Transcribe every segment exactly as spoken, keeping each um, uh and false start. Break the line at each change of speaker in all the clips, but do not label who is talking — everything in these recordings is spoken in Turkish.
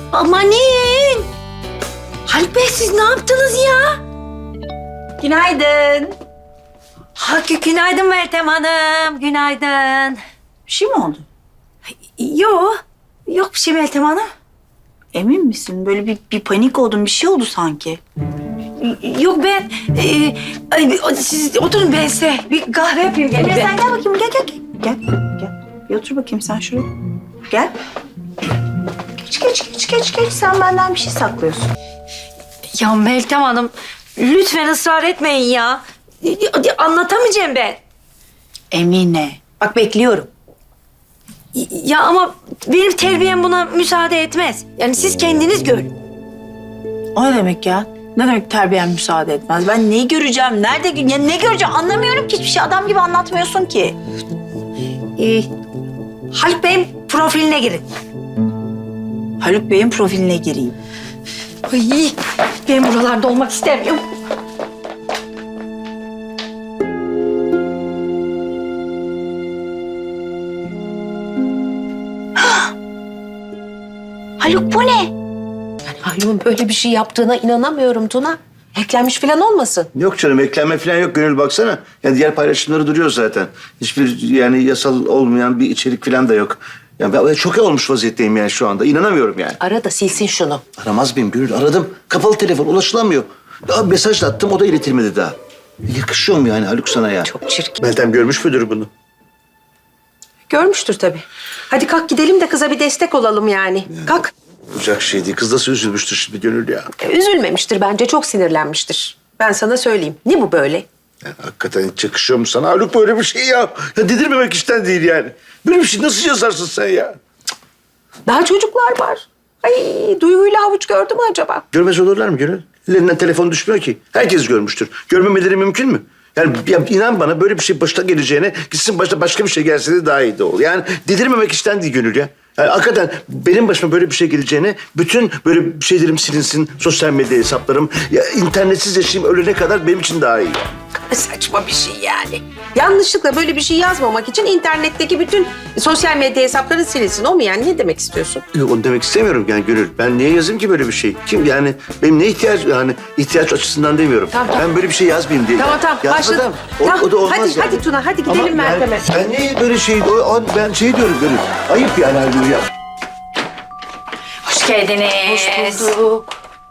Amanin! Haluk Bey siz ne yaptınız ya?
Günaydın.
Ha, günaydın Meltem Hanım, günaydın.
Bir şey mi oldu?
Yok, yok bir şey Meltem Hanım.
Emin misin? Böyle bir, bir panik oldun, bir şey oldu sanki.
Yok ben, e, ay, siz oturun ben size bir kahve yapayım.
Gel,
gelin.
sen gel bakayım, gel gel gel. Gel, gel. Bir otur bakayım sen şuraya. Gel. Geç, geç, geç, geç, geç. Sen benden bir şey saklıyorsun.
Ya Meltem Hanım, lütfen ısrar etmeyin ya. Anlatamayacağım ben.
Emine. Bak bekliyorum.
Ya ama benim terbiyem buna müsaade etmez. Yani siz kendiniz görün.
O ne demek ya? Ne demek terbiyen müsaade etmez? Ben neyi göreceğim? Nerede? Ya ne göreceğim? Anlamıyorum ki hiçbir şey. Adam gibi anlatmıyorsun ki.
Ee, Haluk Bey'in profiline girin.
Haluk Bey'in profiline gireyim.
Ay, ben buralarda olmak istemiyorum.
Haluk bu ne?
Haluk'un böyle bir şey yaptığına inanamıyorum Tuna. Hacklenmiş falan olmasın.
Yok canım, eklenme falan yok. Gönül baksana. Yani diğer paylaşımları duruyor zaten. Hiçbir yani yasal olmayan bir içerik falan da yok. Yani ben şoke olmuş vaziyetteyim yani şu anda. İnanamıyorum yani.
Ara da silsin şunu.
Aramaz mıyım Gönül? Aradım. Kapalı telefon, ulaşılamıyor. Daha mesaj da attım, o da iletilmedi daha. Yakışıyor mu yani Haluk sana ya?
Çok çirkin.
Meltem görmüş müdür bunu?
Görmüştür tabii. Hadi kalk gidelim de kıza bir destek olalım yani. Kalk.
Olacak şey değil. Kız nasıl üzülmüştür şimdi Gönül ya?
E, Üzülmemiştir bence, çok sinirlenmiştir. Ben sana söyleyeyim. Ne bu böyle?
Yani hakikaten hiç yakışıyor mu sana Haluk böyle bir şey ya? Ya dedirmemek işten değil yani. Böyle bir şey nasıl yazarsın sen ya?
Daha çocuklar var. Ay, Duygu'yla Havuç gördü mü acaba?
Görmez olurlar mı Gönül? Ellerinden telefon düşmüyor ki. Herkes görmüştür. Görmemeleri mümkün mü? Yani ya inan bana böyle bir şey başta geleceğine gitsin başta başka bir şey gelse de daha iyi de ol. Yani dedirmemek işten değil Gönül ya. Yani hakikaten benim başıma böyle bir şey geleceğine bütün böyle şeylerim silinsin, sosyal medya hesaplarım, ya internetsiz yaşayayım ölene kadar benim için daha iyi.
Saçma bir şey yani. Yanlışlıkla böyle bir şey yazmamak için internetteki bütün sosyal medya hesapları silinsin. O mu yani? Ne demek istiyorsun?
Yok onu demek istemiyorum yani Gönül. Ben niye yazayım ki böyle bir şey? Kim yani benim ne ihtiyaç yani ihtiyaç açısından demiyorum.
Tamam, tamam.
Ben böyle bir şey yazmayayım diye.
Tamam tamam
Yazmadım.
başladım.
O,
Tamam,
o da olmaz
hadi,
yani.
hadi Tuna hadi gidelim
Ama
Meltem'e.
Yani, ben niye böyle şey, o, o- ben şey diyorum Gönül. Ayıp yani Haluk ya.
Hoş geldiniz.
Hoş bulduk.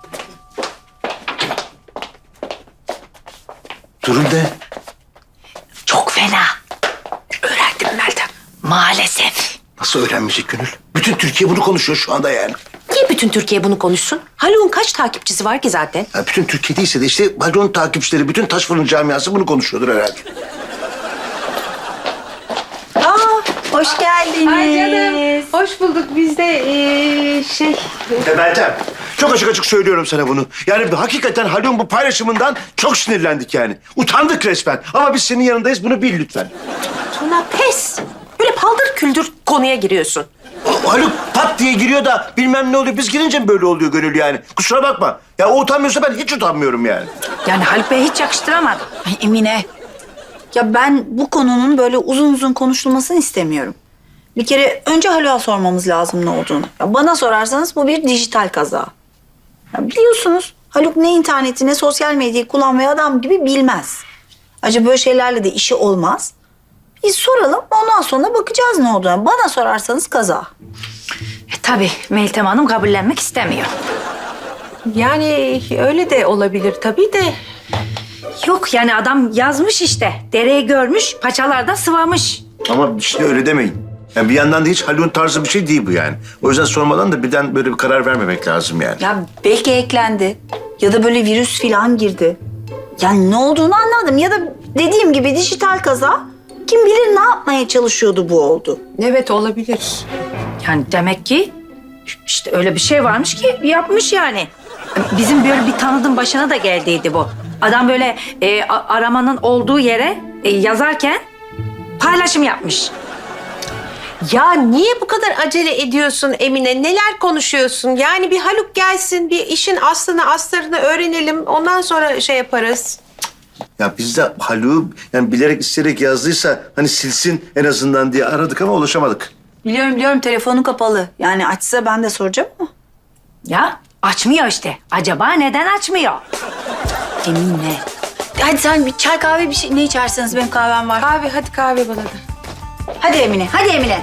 Durum ne?
Çok fena. Öğrendim Meltem. Maalesef.
Nasıl öğrenmeyecek Gönül? Bütün Türkiye bunu konuşuyor şu anda yani.
Niye bütün Türkiye bunu konuşsun? Haluk'un kaç takipçisi var ki zaten?
Ya bütün Türkiye değilse de işte Balon takipçileri, bütün Taş Fırın camiası bunu konuşuyordur herhalde.
Aa, hoş geldiniz.
Hoş bulduk. Biz de ee, şey...
Ya Meltem, çok açık açık söylüyorum sana bunu. Yani hakikaten Haluk'un bu paylaşımından çok sinirlendik yani. Utandık resmen. Ama biz senin yanındayız, bunu bil lütfen.
Tuna pes. Böyle paldır küldür konuya giriyorsun.
O Haluk pat diye giriyor da bilmem ne oluyor. Biz girince mi böyle oluyor Gönül yani? Kusura bakma. Ya o utanmıyorsa ben hiç utanmıyorum yani.
Yani Haluk Bey'e hiç yakıştıramadım.
Ay Emine. Ya ben bu konunun böyle uzun uzun konuşulmasını istemiyorum. Bir kere önce Haluk'a sormamız lazım ne olduğunu. Ya bana sorarsanız bu bir dijital kaza. Ya biliyorsunuz Haluk ne interneti ne sosyal medyayı kullanmayı adam gibi bilmez. Acaba böyle şeylerle de işi olmaz. Biz soralım ondan sonra bakacağız ne olduğuna. Bana sorarsanız kaza.
E, tabii Meltem Hanım kabullenmek istemiyor.
Yani öyle de olabilir tabii de.
Yok yani adam yazmış işte. Dereyi görmüş, paçalarda sıvamış.
Ama işte öyle demeyin. Yani bir yandan da hiç Haluk'un tarzı bir şey değil bu yani. O yüzden sormadan da birden böyle bir karar vermemek lazım yani.
Ya belki eklendi ya da böyle virüs falan girdi. Yani ne olduğunu anladım ya da dediğim gibi dijital kaza. Kim bilir ne yapmaya çalışıyordu bu oldu.
Evet olabilir.
Yani demek ki işte öyle bir şey varmış ki yapmış yani. Bizim böyle bir tanıdığım başına da geldiydi bu. Adam böyle e, a- aramanın olduğu yere e, yazarken paylaşım yapmış.
Ya niye bu kadar acele ediyorsun Emine? Neler konuşuyorsun? Yani bir Haluk gelsin, bir işin aslını astarını öğrenelim. Ondan sonra şey yaparız.
Ya biz de Haluk'u yani bilerek isteyerek yazdıysa hani silsin en azından diye aradık ama ulaşamadık.
Biliyorum biliyorum telefonu kapalı. Yani açsa ben de soracağım ama.
Ya açmıyor işte. Acaba neden açmıyor?
Emine. Hadi sen bir çay kahve bir şey ne içerseniz benim kahvem var.
Kahve, hadi kahve bana da.
Hadi Emine, hadi Emine.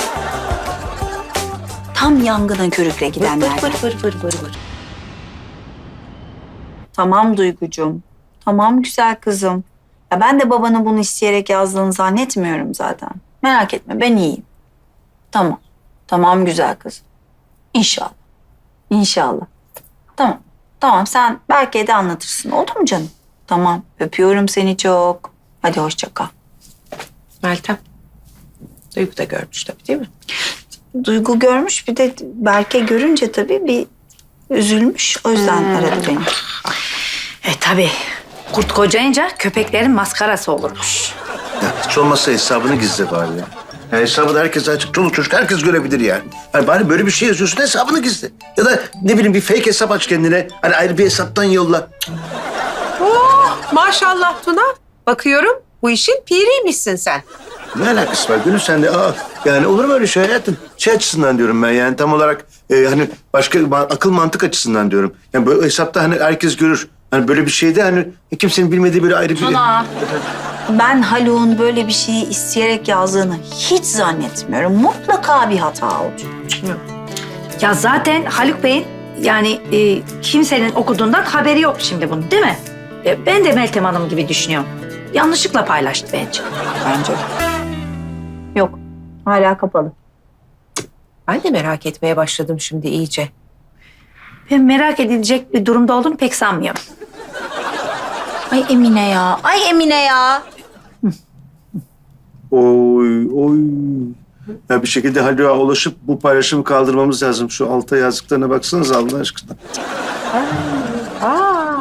Tam yangına körükle gidenler.
Vır vır vır vır vır vır.
Tamam Duygucuğum. Tamam güzel kızım. Ya ben de babanın bunu isteyerek yazdığını zannetmiyorum zaten. Merak etme ben iyiyim. Tamam. Tamam güzel kızım. İnşallah. İnşallah. Tamam. Tamam sen Berke'ye de anlatırsın. Oldu mu canım? Tamam. Öpüyorum seni çok. Hadi hoşça kal.
Meltem. Duygu da görmüş tabii değil mi?
Duygu görmüş bir de Berke görünce tabii bir üzülmüş. O yüzden aradı beni.
E tabii. Kurt kocayınca köpeklerin maskarası olurmuş.
Ya hiç olmazsa hesabını gizle bari ya. Ya hesabını herkes açık, çoluk çocuk herkes görebilir yani. Hani bari böyle bir şey yazıyorsun hesabını gizle. Ya da ne bileyim bir fake hesap aç kendine. Hani ayrı bir hesaptan yolla.
Oh, maşallah Tuna. Bakıyorum bu işin piriymişsin sen.
Ne alakası var Gönül sende? Aa, yani olur mu öyle şey hayatım? Şey açısından diyorum ben yani tam olarak e, hani başka ma- akıl mantık açısından diyorum. Yani böyle hesapta hani herkes görür. Hani böyle bir şeyde hani kimsenin bilmediği böyle ayrı bir...
Tuna. Ben Haluk'un böyle bir şeyi isteyerek yazdığını hiç zannetmiyorum. Mutlaka bir hata olacak.
Ya zaten Haluk Bey'in yani e, kimsenin okuduğundan haberi yok şimdi bunun değil mi? E, ben de Meltem Hanım gibi düşünüyorum. Yanlışlıkla paylaştı bence.
Bence. Yok. Hala kapalı.
Ben de merak etmeye başladım şimdi iyice.
Ben merak edilecek bir durumda olduğunu pek sanmıyorum.
Ay Emine ya. Ay Emine ya.
Oy oy. Ya bir şekilde Haluk'a ulaşıp bu paylaşımı kaldırmamız lazım. Şu alta yazdıklarına baksanız Allah aşkına.
Aa.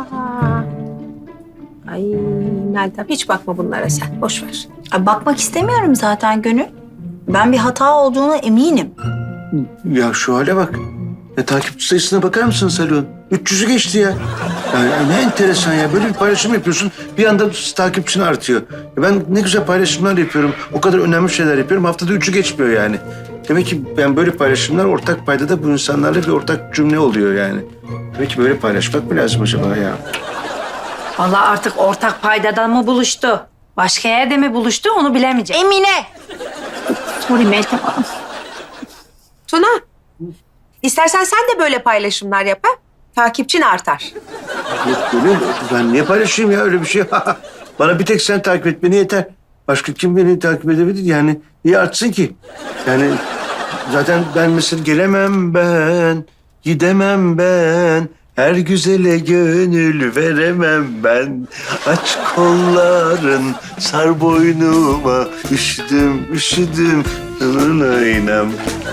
Ay Meltem hiç bakma bunlara sen. Boş ver.
Ay, bakmak istemiyorum zaten Gönül. Ben bir hata olduğuna eminim.
Ya şu hale bak. Ya takipçi sayısına bakar mısınız Haluk'un? üç yüzü geçti ya. Yani ne enteresan ya. Böyle bir paylaşım yapıyorsun. Bir anda takipçin artıyor. Ya ben ne güzel paylaşımlar yapıyorum. O kadar önemli şeyler yapıyorum. Haftada üçü geçmiyor yani. Demek ki ben böyle paylaşımlar ortak paydada bu insanlarla bir ortak cümle oluyor yani. Demek ki böyle paylaşmak mı lazım acaba ya?
Vallahi artık ortak paydadan mı buluştu? Başka yerde mi buluştu onu bilemeyeceğim.
Emine.
Sorry Meltem Hanım.
Tuna. İstersen sen de böyle paylaşımlar yap ha. Takipçin artar.
Yok Gönül, ben niye paylaşayım ya öyle bir şey? Bana bir tek sen takip etmeni yeter. Başka kim beni takip edebilir yani? Niye artsın ki? Yani zaten ben mesela gelemem ben, gidemem ben. Her güzele gönül veremem ben. Aç kolların, sar boynuma. Üşüdüm, üşüdüm. Oynam.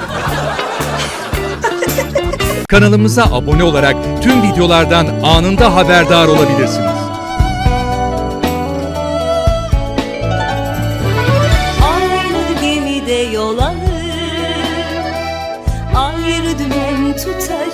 Kanalımıza abone olarak tüm videolardan anında haberdar olabilirsiniz.
Aynı gemide yol alır, ayrı dümen tutarız.